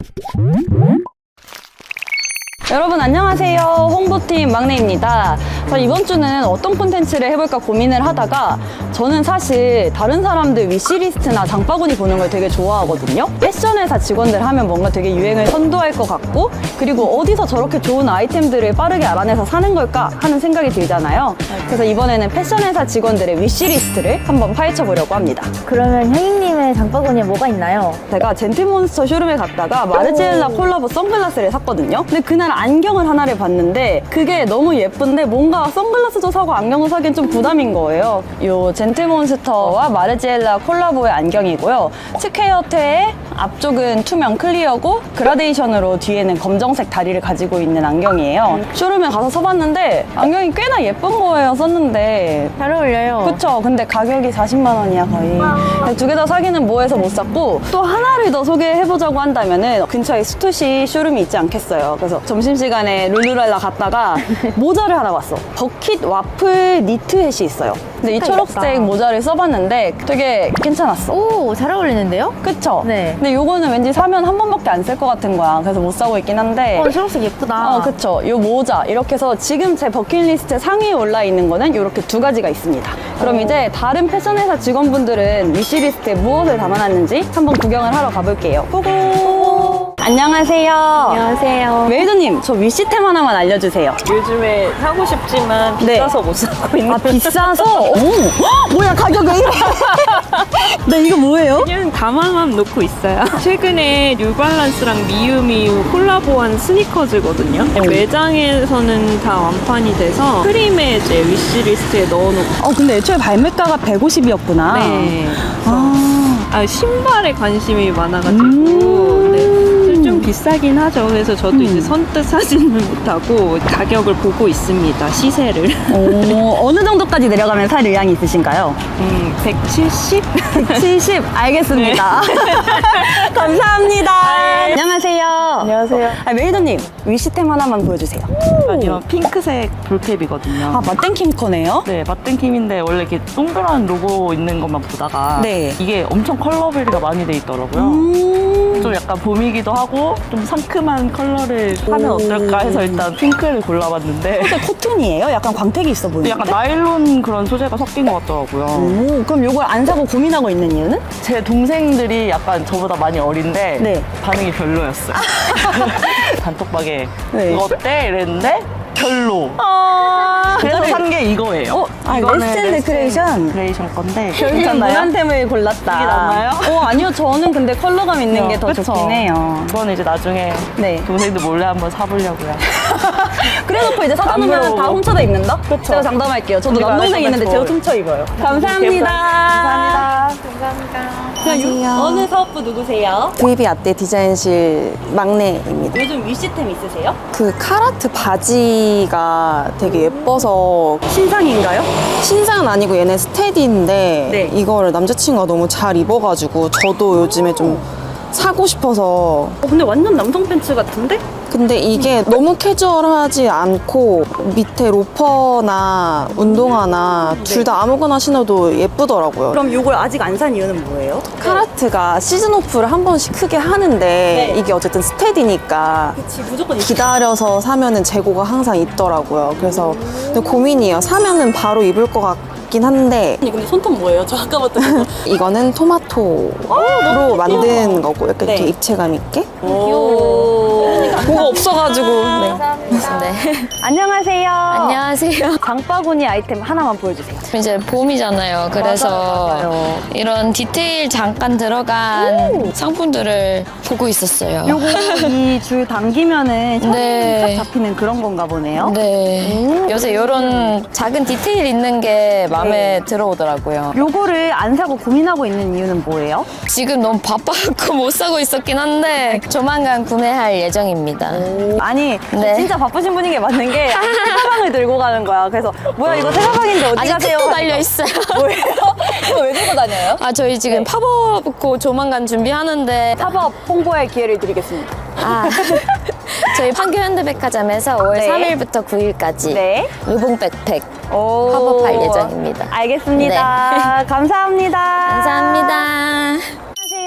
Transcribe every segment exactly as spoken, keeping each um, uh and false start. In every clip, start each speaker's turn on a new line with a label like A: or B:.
A: 여러분 안녕하세요. 홍보팀 막내입니다. 자, 이번 주는 어떤 콘텐츠를 해볼까 고민을 하다가 저는 사실 다른 사람들 위시리스트나 장바구니 보는 걸 되게 좋아하거든요. 패션회사 직원들 하면 뭔가 되게 유행을 선도할 것 같고, 그리고 어디서 저렇게 좋은 아이템들을 빠르게 알아내서 사는 걸까 하는 생각이 들잖아요. 그래서 이번에는 패션회사 직원들의 위시리스트를 한번 파헤쳐보려고 합니다.
B: 그러면 혜인님의 장바구니에 뭐가 있나요?
A: 제가 젠틀몬스터 쇼룸에 갔다가 마르지엘라 콜라보 선글라스를 샀거든요. 근데 그날 안경을 하나를 봤는데 그게 너무 예쁜데 뭔가 선글라스도 사고 안경도 사기엔 좀 부담인 거예요. 요 젠틀몬스터와 마르지엘라 콜라보의 안경이고요. 측헤어테의 앞쪽은 투명 클리어고 그라데이션으로 뒤에는 검정색 다리를 가지고 있는 안경이에요. 쇼룸에 가서 써봤는데 안경이 꽤나 예쁜 거예요. 썼는데
B: 잘 어울려요.
A: 그쵸? 근데 가격이 사십만 원이야 거의. 두 개 다 사기는 뭐해서 못 샀고, 또 하나를 더 소개해보자고 한다면은 근처에 스투시 쇼룸이 있지 않겠어요. 그래서 점심시간에 룰루랄라 갔다가 모자를 하나 봤어. 버킷 와플 니트햇이 있어요. 근데 이 초록색 모자를 써봤는데 되게 괜찮았어.
B: 오, 잘 어울리는데요?
A: 그쵸?
B: 네.
A: 근데 요거는 왠지 사면 한 번밖에 안 쓸 것 같은 거야. 그래서 못 사고 있긴 한데.
B: 어, 초록색 예쁘다.
A: 어, 그쵸. 요 모자. 이렇게 해서 지금 제 버킷리스트 상위에 올라있는 거는 이렇게 두 가지가 있습니다. 그럼
B: 오.
A: 이제 다른 패션회사 직원분들은 위시리스트에 무엇을 담아놨는지 한번 구경을 하러 가볼게요. 고고! 안녕하세요.
B: 안녕하세요.
A: 메이드님, 저 위시템 하나만 알려주세요.
C: 요즘에 사고 싶지만
A: 네.
C: 비싸서 못 사고 있는.
A: 아, 비싸서? 오! 헉, 뭐야, 가격 왜 이래? 네, 이거 뭐예요?
C: 그냥 가방만 놓고 있어요. 최근에 뉴발란스랑 미유미유 콜라보한 스니커즈거든요. 매장에서는 다 완판이 돼서 프림에 이제 위시리스트에 넣어놓고.
A: 어, 근데 애초에 발매가가 백오십이었구나.
C: 네.
A: 아.
C: 아, 신발에 관심이 많아가지고.
A: 음.
C: 네. 좀 비싸긴 하죠. 그래서 저도
A: 음.
C: 이제 선뜻 사지는 못하고 가격을 보고 있습니다. 시세를.
A: 오, 어느 정도까지 내려가면 살 의향이 있으신가요?
C: 음, 백칠십?
A: 백칠십 알겠습니다. 감사합니다. 안녕하세요.
C: 안녕하세요.
A: 아, 메이더님 위시템 하나만 보여주세요.
D: 이런 핑크색 볼캡이거든요.
A: 아, 마땡킴 거네요?
D: 네, 마땡킴인데 원래 이렇게 동그란 로고 있는 것만 보다가
A: 네.
D: 이게 엄청 컬러베리가 많이 돼 있더라고요.
A: 음.
D: 좀 약간 봄이기도 하고 좀 상큼한 컬러를 하면
A: 오.
D: 어떨까 해서 일단 핑크를 골라봤는데
A: 소재 코튼이에요? 약간 광택이 있어 보이는데?
D: 약간 나일론 그런 소재가 섞인 것 같더라고요.
A: 오, 그럼 이걸 안 사고 고민하고 있는 이유는?
D: 제 동생들이 약간 저보다 많이 어린데
A: 네.
D: 반응이 별로였어요. 단톡방에
A: 네.
D: 이거 어때? 이랬는데 별로.
A: 아,
D: 그래서 산 게 이거예요.
A: 어, 아,
D: 이거는
A: 레스앤
D: 레스앤
A: 데코레이션?
D: 데코레이션 건데
A: 결국은
D: 괜찮나요?
A: 무난템을 골랐다.
D: 이게 낫나요?
A: 어, 아니요. 저는 근데 컬러감 있는 게 더
D: 그쵸?
A: 좋긴 해요.
D: 이거는 이제 나중에
A: 네.
D: 동생들 몰래 한번 사보려고요.
A: 그래놓고 이제 사다 놓으면
D: 물어보고.
A: 다 훔쳐다 입는다?
D: 그쵸.
A: 제가 장담할게요. 저도
D: 우리가
A: 남동생
D: 알고
A: 있는데
D: 있는
A: 제가
D: 거.
A: 훔쳐 입어요. 감사합니다.
D: 감사합니다.
A: 그냥 어느 사업부 누구세요?
E: 브이비 아떼 디자인실 막내입니다.
A: 요즘 위시템 있으세요?
E: 그 카라트 바지가 되게 예뻐서
A: 신상인가요?
E: 신상은 아니고 얘네 스테디인데
A: 네.
E: 이거를 남자친구가 너무 잘 입어가지고 저도 요즘에 좀 사고 싶어서.
A: 어, 근데 완전 남성 팬츠 같은데?
E: 근데 이게 너무 캐주얼하지 않고 밑에 로퍼나 운동화나 둘 다 아무거나 신어도 예쁘더라고요.
A: 그럼 이걸 아직 안 산 이유는 뭐예요?
E: 카라트가 시즌 오프를 한 번씩 크게 하는데 이게 어쨌든 스테디니까
A: 그치, 무조건 있
E: 기다려서 사면은 재고가 항상 있더라고요. 그래서 근데 고민이에요. 사면은 바로 입을 것 같긴 한데
A: 아니, 근데 손톱 뭐예요? 저 아까부터 보고.
E: 이거는 토마토로 만든 거고 약간
A: 네.
E: 이렇게 입체감 있게.
A: 귀여워.
E: 뭐가 없어가지고. 네.
B: 네.
A: 안녕하세요.
B: 안녕하세요.
A: 장바구니 아이템 하나만 보여주세요.
B: 이제 봄이잖아요. 그래서 이런 디테일 잠깐 들어간 상품들을 보고 있었어요.
A: 요거 이 줄 당기면은 셔츠
B: 네.
A: 딱 잡히는 그런 건가 보네요.
B: 네. 요새 이런 작은 디테일 있는 게 마음에 들어오더라고요.
A: 요거를 안 사고 고민하고 있는 이유는 뭐예요?
B: 지금 너무 바빠갖고 못 사고 있었긴 한데 조만간 구매할 예정입니다.
A: 아니
B: 네.
A: 진짜 바쁘신 분인 게 맞는 게 새 가방을 들고 가는 거야. 그래서 뭐야 이거 새 가방인데 어디
B: 아직
A: 가세요?
B: 톡도 달려 있어요.
A: 뭐예요? 이거 왜 들고 다녀요?
B: 아 저희 지금
A: 네.
B: 팝업 고 조만간 준비하는데
A: 팝업 홍보할 기회를 드리겠습니다.
B: 아 저희 판교 현대백화점에서 오월
A: 네.
B: 삼일부터 구일까지
A: 네.
B: 루봉 백팩
A: 오.
B: 팝업할 예정입니다.
A: 알겠습니다. 감사합니다.
B: 감사합니다.
A: 안녕하세요.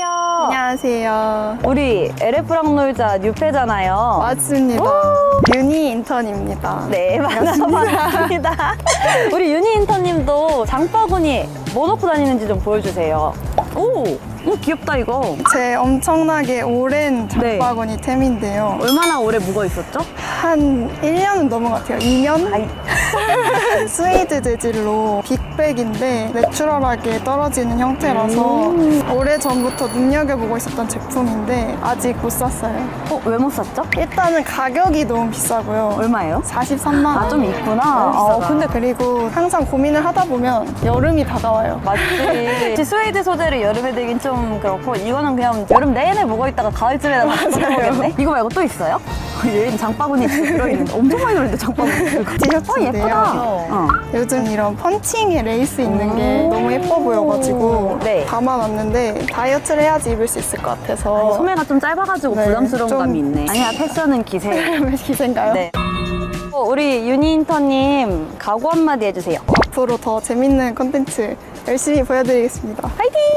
F: 안녕하세요.
A: 우리 엘에프랑 놀자 뉴페잖아요.
F: 맞습니다. 유니 인턴입니다.
A: 네, 만나서 반갑습니다. 우리 유니 인턴님도 장바구니 뭐 넣고 다니는지 좀 보여주세요. 오, 오 귀엽다 이거.
F: 제 엄청나게 오랜
A: 네.
F: 장바구니 템인데요.
A: 얼마나 오래 묵어 있었죠?
F: 한 일 년은 넘은 것 같아요. 이 년?
A: 아이.
F: 스웨이드 재질로 빅백인데 내추럴하게 떨어지는 형태라서
A: 음.
F: 오래 전부터 눈여겨보고 있었던 제품인데 아직 못 샀어요.
A: 어, 왜 못 샀죠?
F: 일단은 가격이 너무 비싸고요.
A: 얼마예요?
F: 사십삼만 원.
A: 아, 좀 있구나.
F: 너무
A: 어,
F: 비싸다.
A: 근데
F: 그리고 항상 고민을 하다 보면 여름이 다가와요.
A: 맞지. 혹시 스웨이드 소재를 여름에 들긴 좀 그렇고 이거는 그냥 여름 내내 묵어 있다가 가을쯤에 다시 써보겠네. 이거 말고 또 있어요? 얘는 장바구니 들어있는데 엄청 많이 들어있는데 장바구니. 어,
F: 티셔츠인데요.
A: 예쁘다. 어.
F: 요즘 이런 펀칭에 레이스 있는 게 너무 예뻐 보여가지고
A: 네.
F: 담아놨는데 다이어트를 해야지 입을 수 있을 것 같아서
A: 소매가 좀 짧아가지고
F: 네,
A: 부담스러운
F: 좀-
A: 감이 있네. 아니야, 패션은 기세.
F: 기세인가요?
A: 네. 어, 우리 유니 인턴님 각오 한마디 해주세요.
F: 앞으로 더 재밌는 콘텐츠 열심히 보여드리겠습니다.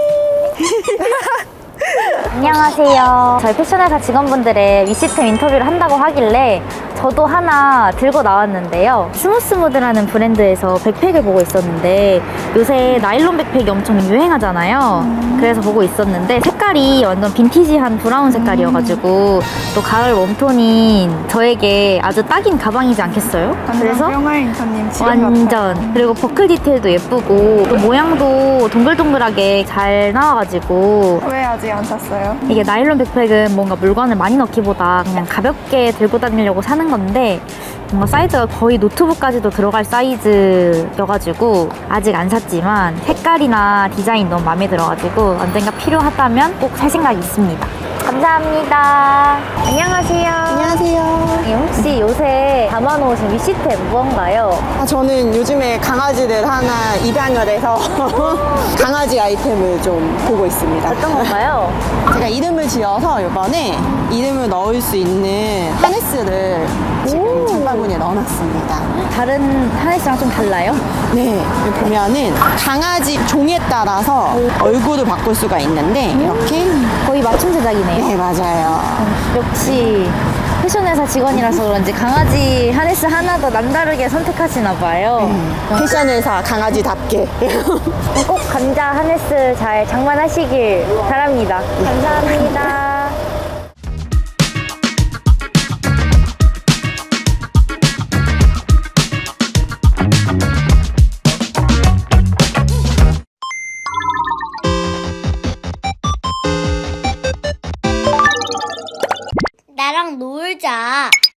G: 안녕하세요. 저희 패션회사 직원분들의 위시템 인터뷰를 한다고 하길래 저도 하나 들고 나왔는데요. 스무스무드라는 브랜드에서 백팩을 보고 있었는데 요새 나일론 백팩이 엄청 유행하잖아요. 그래서 보고 있었는데 색깔이 완전 빈티지한 브라운 색깔이어가지고 또 가을 웜톤인 저에게 아주 딱인 가방이지 않겠어요? 그래서
F: 뿅알 인턴님 지금
G: 완전 그리고 버클 디테일도 예쁘고 또 모양도 동글동글하게 잘 나와가지고
F: 왜 아직 안 샀어요?
G: 이게 나일론 백팩은 뭔가 물건을 많이 넣기보다 그냥 가볍게 들고 다니려고 사는 건데 뭔가 사이즈가 거의 노트북까지도 들어갈 사이즈여가지고 아직 안 샀지만 색깔이나 디자인 너무 마음에 들어가지고 언젠가 필요하다면 꼭 살 생각이 있습니다. 감사합니다. 안녕하세요.
E: 안녕하세요.
G: 예, 혹시 요새 담아놓으신 위시템 무언가요?
E: 아, 저는 요즘에 강아지들 하나 입양을 해서 강아지 아이템을 좀 보고 있습니다.
G: 어떤 건가요?
E: 제가 이름을 지어서 이번에 이름을 넣을 수 있는 하네스를 지금 장바구니에 넣어놨습니다.
G: 다른 하네스랑 좀 달라요?
E: 네, 여기 보면은 강아지 종에 따라서 얼굴을 바꿀 수가 있는데 이렇게
G: 거의 맞춤 제작이네요.
E: 네, 맞아요.
G: 역시 패션회사 직원이라서 그런지 강아지 하네스 하나 더 남다르게 선택하시나 봐요.
E: 패션회사 강아지답게.
G: 꼭 감자 하네스 잘 장만하시길 바랍니다. 감사합니다.
H: 나랑 놀자.